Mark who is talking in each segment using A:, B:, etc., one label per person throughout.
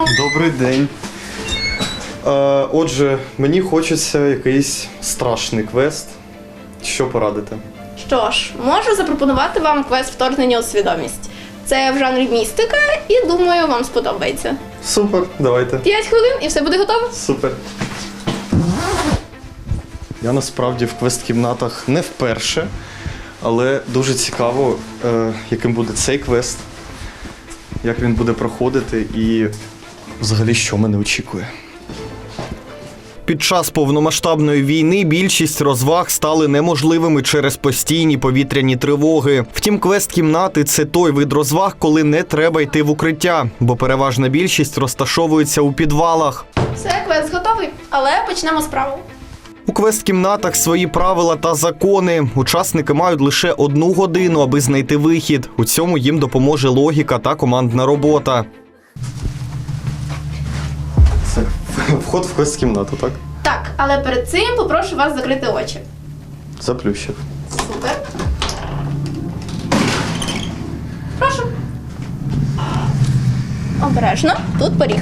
A: Добрий день. Отже, мені хочеться якийсь страшний квест. Що порадите?
B: Що ж, можу запропонувати вам квест «Вторгнення у свідомість». Це в жанрі містика і, думаю, вам сподобається.
A: Супер, давайте.
B: 5 хвилин і все буде готово?
A: Супер. Я насправді в квест-кімнатах не вперше, але дуже цікаво, яким буде цей квест, як він буде проходити і взагалі що мене очікує. Під час повномасштабної війни більшість розваг стали неможливими через постійні повітряні тривоги. Втім, квест-кімнати – це той вид розваг, коли не треба йти в укриття, бо переважна більшість розташовується у підвалах.
B: Все, квест готовий, але почнемо справу.
A: У квест-кімнатах свої правила та закони. Учасники мають лише 1 годину, аби знайти вихід. У цьому їм допоможе логіка та командна робота. Це вход в квест-кімнату, так?
B: Так, але перед цим попрошу вас закрити очі.
A: Заплющив.
B: Супер. Прошу. Обережно, тут поріг.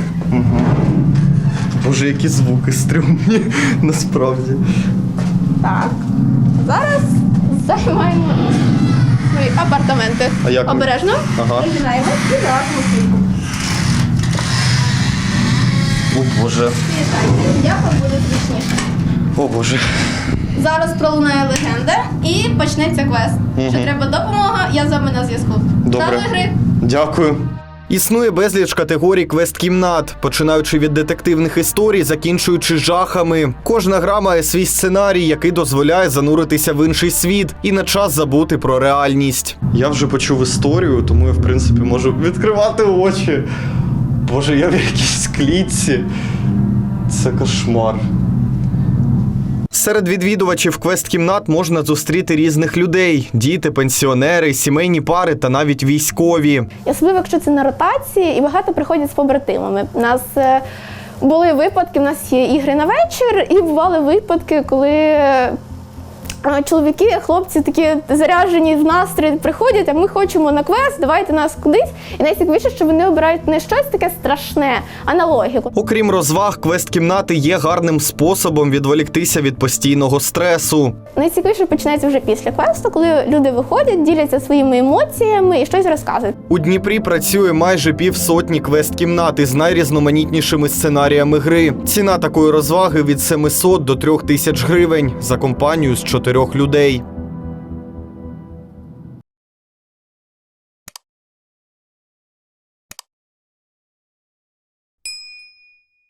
A: Боже, які звуки стрьомні, насправді.
B: Так. Зараз займаємо свої апартаменти.
A: А як ми?
B: Обережно.
A: Ага.
B: Пригинаємо і залазимо в клітку.
A: О, Боже.
B: Вітайте, як вам буде зручніше.
A: О, Боже.
B: Зараз пролунає легенда і почнеться квест. Якщо треба допомога, я з вами на зв'язку.
A: Добре.
B: До гри.
A: Дякую. Існує безліч категорій квест-кімнат, починаючи від детективних історій, закінчуючи жахами. Кожна гра має свій сценарій, який дозволяє зануритися в інший світ і на час забути про реальність. Я вже почув історію, тому я, в принципі, можу відкривати очі. Боже, я в якійсь клітці. Це кошмар. Серед відвідувачів квест-кімнат можна зустріти різних людей – діти, пенсіонери, сімейні пари та навіть військові.
B: Особливо, якщо це на ротації, і багато приходять з побратимами. У нас були випадки, у нас є ігри на вечір, і бували випадки, коли чоловіки, хлопці такі заряджені в настрій приходять, а ми хочемо на квест, давайте нас кудись. І найцікавіше, що вони обирають не щось таке страшне, а на логіку.
A: Окрім розваг, квест-кімнати є гарним способом відволіктися від постійного стресу.
B: Найцікавіше починається вже після квесту, коли люди виходять, діляться своїми емоціями і щось розказують.
A: У Дніпрі працює майже 50 квест-кімнат із найрізноманітнішими сценаріями гри. Ціна такої розваги від 700 до 3000 гривень за компанію з 4 людей.